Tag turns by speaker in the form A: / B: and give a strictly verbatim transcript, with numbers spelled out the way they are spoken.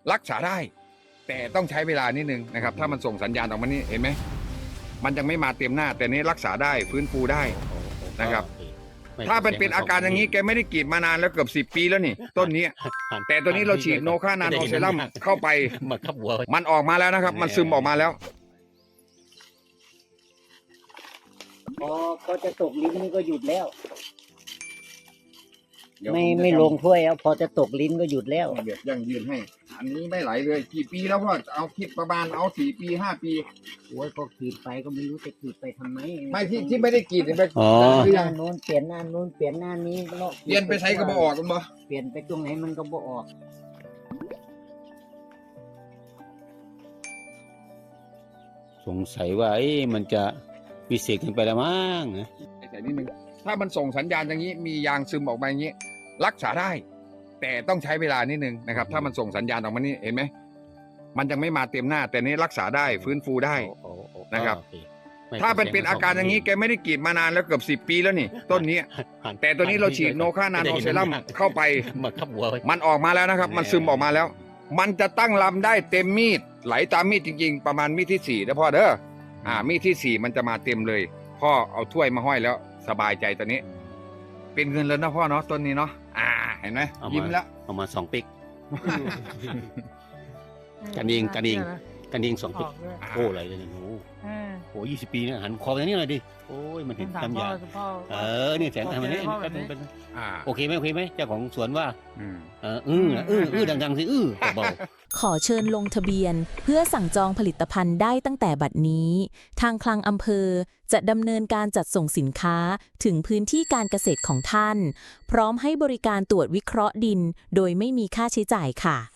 A: รักษาได้แต่ต้องใช้เวลานิดนึงนะครับถ้ามันส่งสัญญาณออกมานี่เห็นไหมมันยังไม่มาเต็มหน้าแต่นี้รักษาได้ฟื้นฟูได้นะครับถ้าเป็นเป็นอาการอย่างนี้แกไม่ได้กรีดมานานแล้วเกือบสิบปีแล้วนี่ต้นนี้แต่ตัวนี้เราฉีดโนคานาโนเซรั่มเข้าไปมันออกมาแล้วนะครับมันซึมออกมาแล้ว
B: พอเขาจะตกลิ้นนี่ก็หยุดแล้วไม่ไม่ลงถ้วยแล้วพอจะตกลิ้นก็หยุดแล้ว
A: เดี๋ยวยังยืนให้อันนี้ไม่ไหลเลยกี่ปีแล้วพ่อเอาคิดประมาณเอาสี่ปีห้าปี
B: โอ้ยก็ขีดไปก็ไม่รู้จะขีดไปทำไม
A: ไม่ที่ที่ไม่ได้กรีดไป
B: อ๋อหน้าโน้นเปลี่ยนหน้าโน้นเปลี่ยนหน้านี้
A: เปลี่ยนไปใช้ก็บ่ออกกันบ่
B: เปลี่ยนไปตรงไหนมันก็บ่ออก
C: สงสัยว่าเอ๊ะมันจะวิเศษขึ้นไปแล้วมั้งนะ
A: ใส่นิดนึงถ้ามันส่งสัญญาณอย่างนี้มียางซึมออกมาอย่างนี้รักษาได้แต่ต้องใช้เวลานิดนึงนะครับถ้ามันส่งสัญญาณออกมานี่เห็นไหมมันยังไม่มาเต็มหน้าแต่นี้รักษาได้ฟื้นฟูได้นะครับถ้าเป็นเป็นอาการอย่างนี้แกไม่ได้กรีดมานานแล้วเกือบสิบปีแล้วนี่ต้นนี้แต่ตัวนี้เราฉีดโนคานาโนเซรั่มเข้าไปมันออกมาแล้วนะครับมันซึมออกมาแล้วมันจะตั้งลำได้เต็มมีดไหลตามมีดจริงๆประมาณมีดที่สี่นะพ่อเด้ออ่ามีดที่สี่มันจะมาเต็มเลยพ่อเอาถ้วยมาห้อยแล้วสบายใจตอนนี้เป็นเงินแล้วนะพ่อเนาะต้นนี้เนาะอ่าเห็นไหมยิ้มแล้ว
C: เอามาสองปิกกันเองกันเองกันเองสองปิกโอ้อะไรเลยเนี่ยโอ้โหยี่สิบปีเนี่ยหันคอไปนี่หน่อยดิโอ้ยมันเห็นตำยาเออเนี่ยแสงทำอะไรนี่เป็นโอเคไหมโอเคไหมเจ้าของสวนว่าเอออื้ออื้ออื้อดังๆสิอื้อเบา
D: ขอเชิญลงทะเบียนเพื่อสั่งจองผลิตภัณฑ์ได้ตั้งแต่บัดนี้ทางคลังอำเภอจะดำเนินการจัดส่งสินค้าถึงพื้นที่การเกษตรของท่านพร้อมให้บริการตรวจวิเคราะห์ดินโดยไม่มีค่าใช้จ่ายค่ะ